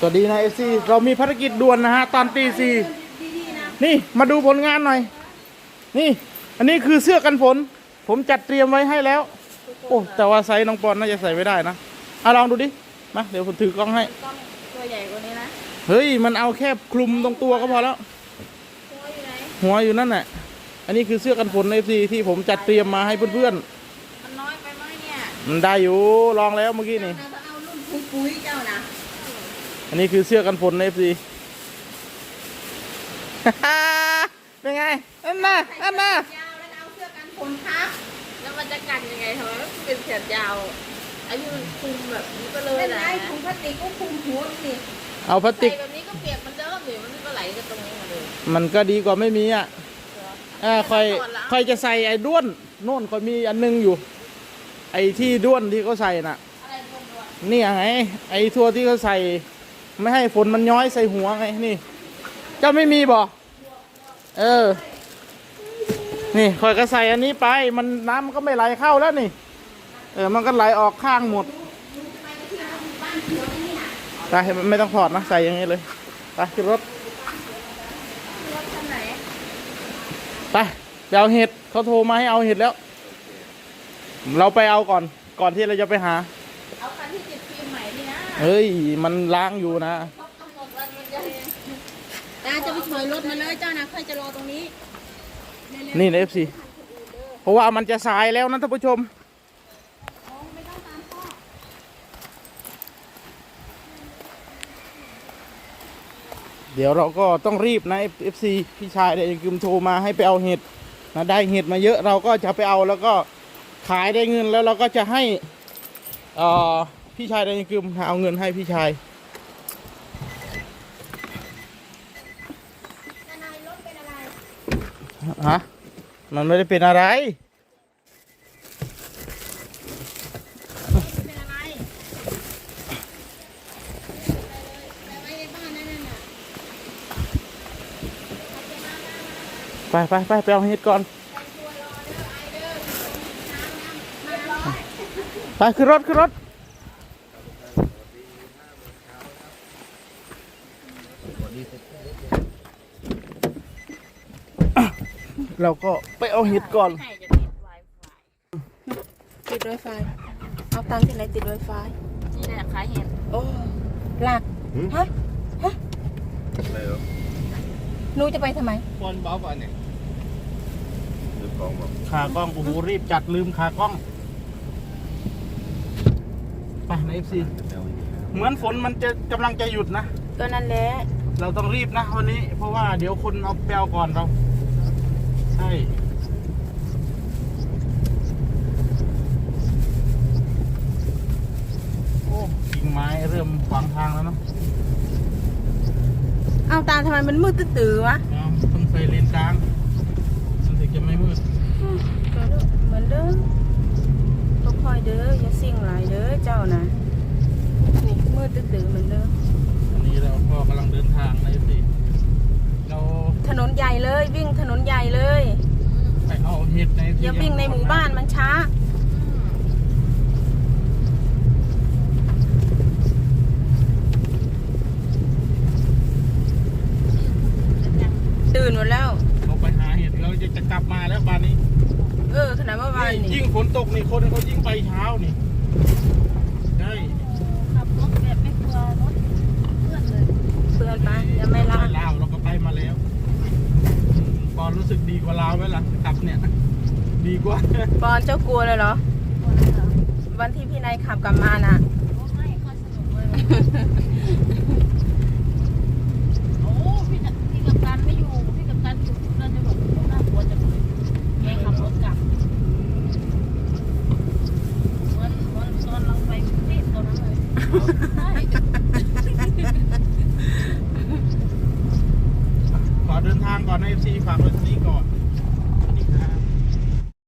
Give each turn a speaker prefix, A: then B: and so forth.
A: สวัสดีนะFC เรามีภารกิจด่วนนะฮะตอนตีสี่นี่มาดูผลงานหน่อยนี่อันนี้คือเสื้อกันฝนผมจัดเตรียมไว้ให้แล้วโอ้แต่ว่าไซส์น้องปอนน่าจะใส่ไม่ได้นะลองดูดิมาเดี๋ยวผมถือกล้องให้
B: ตัวใหญ่กว่านี้นะ
A: เฮ้ยมันเอาแค่คลุมตรงตัวก็พอแล้วหัวอยู่นั่นแหละอันนี้คือเสื้อกันฝนใน FC ที่ผมจัดเตรียมมาให้เพื่อน
B: ๆมันน้อยไปไหมเนี่ย
A: มันได้อยู่ลองแล้วเมื่อกี้นี่
B: เอารุ่นปุ้ยเจ้านะ
A: อันนี้คือเสื้อกันฝนใน FC เป็นไงอันน่ะ
B: ยาวแล้วเอาเสื้อกันฝนทับแล้วมันจะกันยังไงทำไมมันเป็นแขนยาวไอ้ที่มันคลุมแบบนี้ก็เลยนะถุงพลาสติกก็คลุมหัวสิ
A: เอาพลาสติก
B: แบบนี้ก็เปียกมันเดิมหรือมันก็ไหลกันตรงนี้มาเลย
A: มันก็ดีกว่าไม่มีอ่ะค่อยจะใส่ไอ้ด้วนโน่นค่อยมีอันนึงอยู่ไอ้ที่ด้วนที่เขาใส่น่ะนี่ไงไอ้ทั่วที่เขาใส่ไม่ให้ฝนมันย้อยใส่หัวไงนี่เจ้าไม่มีบ่นี่ค่อยก็ใส่อันนี้ไปมันน้ำมันก็ไม่ไหลเข้าแล้วนี่มันก็ไหลออกข้างหมดไปไม่ต้องถอดนะใส่อย่างนี้เลยไปขึ้นรถไปเอาเห็ดเขาโทรมาให้เอาเห็ดแล้วเราไปเอาก่อนที่เราจะไปหา
B: เอาคันที่ติดฟิล์มใหม่นี่นะ
A: เฮ้ยมันล้างอยู่นะ
B: ตาจะไปถอยรถมาเลยเจ้านะค่อยจะรอตรงนี้
A: นี่นะ FC เพราะว่ามันจะสายแล้วนะท่านผู้ชมเดี๋ยวเราก็ต้องรีบนะ FC พี่ชายได้กึมโทรมาให้ไปเอาเห็ดนะได้เห็ดมาเยอะเราก็จะไปเอาแล้วก็ขายได้เงินแล้วเราก็จะให้พี่ชายได้กึมเอาเงินให้พี่ชายฮะมันไม่ได้เป็นอะไรไปเอาเห็ดก่อนไปขึ้นรถเราก็ไปเอาเห็ดก่อน
B: ติดไวไฟเอาตังค์ที่ไหนติดไวไฟที่ไหนขายเห็ดโอ้หลักฮะอะไรเหรอหนูจะไปทำไม
A: บอลบ้าเนี่ยขากล้องโอ้โหรีบจัดลืมขากล้องไปใน FC เหมือนฝนมันจะกำลังจะหยุดนะ
B: ก็นั่นแหละ
A: เราต้องรีบนะวันนี้เพราะว่าเดี๋ยวคนเอาแปลวก่อนเราใช่โอ้กิ่งไม้เริ่มขวางทางแล้วเนาะ
B: เอาตาทำไมมันมืดตื้อวะ
A: ต้องใส่เลนกลางมันถึงจะไม่มืด
B: เหมือนเดิมต้องคอยเด้ออย่าสิ่งหลายเด้อเจ้านะนี่มืดตื้อเหมือนเดิม
A: อันนี้เราก็กำลังเดินทางในสิเรา
B: ถนนใหญ่เลยวิ่งถนนใหญ่เลย
A: ไปเอาเห็ดใน
B: อย่าวิ่งในหมู่บ้านมันช้าตื่นหมดแล้ว
A: เราไปหาเห็ดเราจะกลับมาแล้วบ้านนี้
B: ขนาดเมื่อวานนี่
A: ยิ่งฝนตกนี่คนเขายิ่งไปเช้านี่ใช่
B: ขับรถแบบไม่กลัวรถเพื่อนเลยเพื่อนไปยังไม่ลา
A: เราก็ไปมาแล้วปอนรู้สึกดีกว่าเราไหมล่ะขับเนี่ยดีกว่า
B: ปอนเจ้ากลัวเลยเหรอวันที่พี่นายขับกลับมาน่ะไม่ค่อยสนุกเลยโอ้พี่กับการไม่อยู่พี่กับการอยู่เราจะแบบน่ากลัวจังเลยแกขับรถกลับวันตอนเราไปที่ตอนนั้นเลย
A: ขอเดินทางก่อนใน FC ฝากด้วย